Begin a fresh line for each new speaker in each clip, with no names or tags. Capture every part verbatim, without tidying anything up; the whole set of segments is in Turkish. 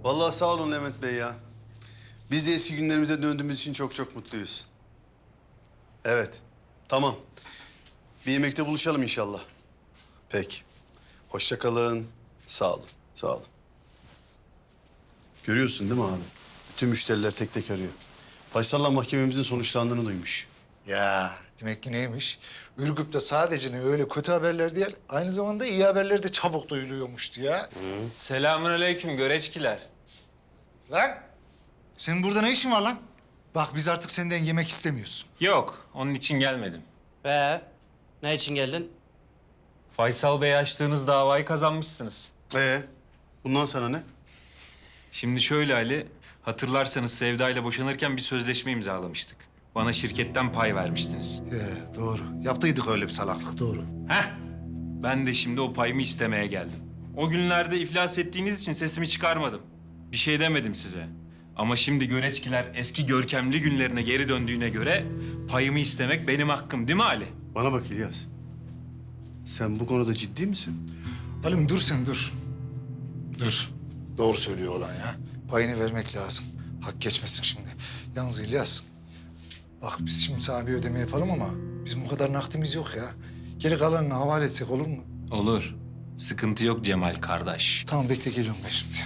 Vallahi sağ olun Levent Bey ya. Biz de eski günlerimize döndüğümüz için çok çok mutluyuz. Evet, tamam. Bir yemekte buluşalım inşallah. Peki. Hoşça kalın. Sağ olun, sağ olun. Görüyorsun değil mi abi? Bütün müşteriler tek tek arıyor. Faysal'la mahkememizin sonuçlandığını duymuş.
Ya demek ki neymiş? Ürgüp'te sadece ne öyle kötü haberler değil, aynı zamanda iyi haberler de çabuk duyuluyormuştu ya.
Selamünaleyküm göreçkiler.
Lan! Senin burada ne işin var lan? Bak biz artık senden yemek istemiyoruz.
Yok, onun için gelmedim.
Ee, ne için geldin?
Faysal Bey açtığınız davayı kazanmışsınız.
Ee, bundan sana ne?
Şimdi şöyle Ali, hatırlarsanız Sevda ile boşanırken bir sözleşme imzalamıştık. Bana şirketten pay vermiştiniz.
He, doğru. Yaptıydık öyle bir salaklık, doğru.
Heh, ben de şimdi o payımı istemeye geldim. O günlerde iflas ettiğiniz için sesimi çıkarmadım. Bir şey demedim size. Ama şimdi göreçkiler eski görkemli günlerine geri döndüğüne göre payımı istemek benim hakkım değil mi Ali?
Bana bak İlyas. Sen bu konuda ciddi misin?
Halim dur sen dur. Dur. Doğru söylüyor olan ya. Payını vermek lazım. Hak geçmesin şimdi. Yalnız İlyas, bak biz şimdi sana bir ödeme yapalım ama bizim bu kadar nakdimiz yok ya. Geri kalanını havale etsek olur mu?
Olur. Sıkıntı yok Cemal kardeş.
Tamam bekle geliyorum ben şimdi.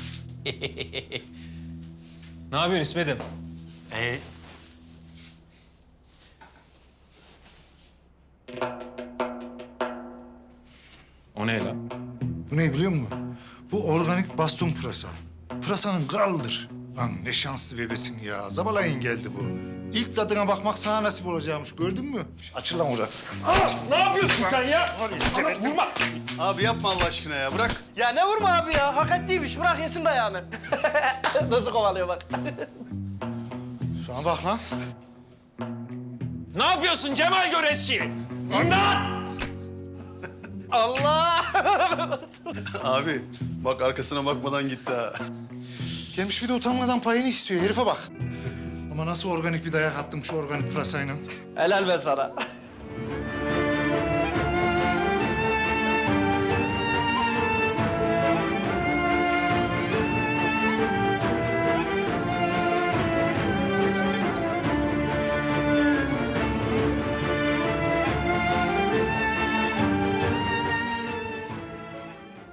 Ne yapıyorsun İsmet'im?
Ee,
O ne lan?
Bu ne biliyor musun? Bu organik baston pırasa. Pırasanın kralıdır. Lan ne şanslı bebesin ya. Zabalayın geldi bu. İlk tadına bakmak sana nasip olacakmış. Gördün mü? Açıl lan orada.
Ne yapıyorsun sen ya? Ana, vurma.
Abi yapma Allah aşkına ya, bırak.
ya ne vurma abi ya? Hak ettiymiş. Bırak yesin dayağını. Nasıl kovalıyor bak.
Şuna bak lan.
Ne yapıyorsun Cemal Göreçki? İmdat!
Allah!
Abi bak arkasına bakmadan gitti ha.
Gelmiş bir de utanmadan payını istiyor. Herife bak. Ama nasıl organik bir dayak attım şu organik pırasayla.
Helal be sana.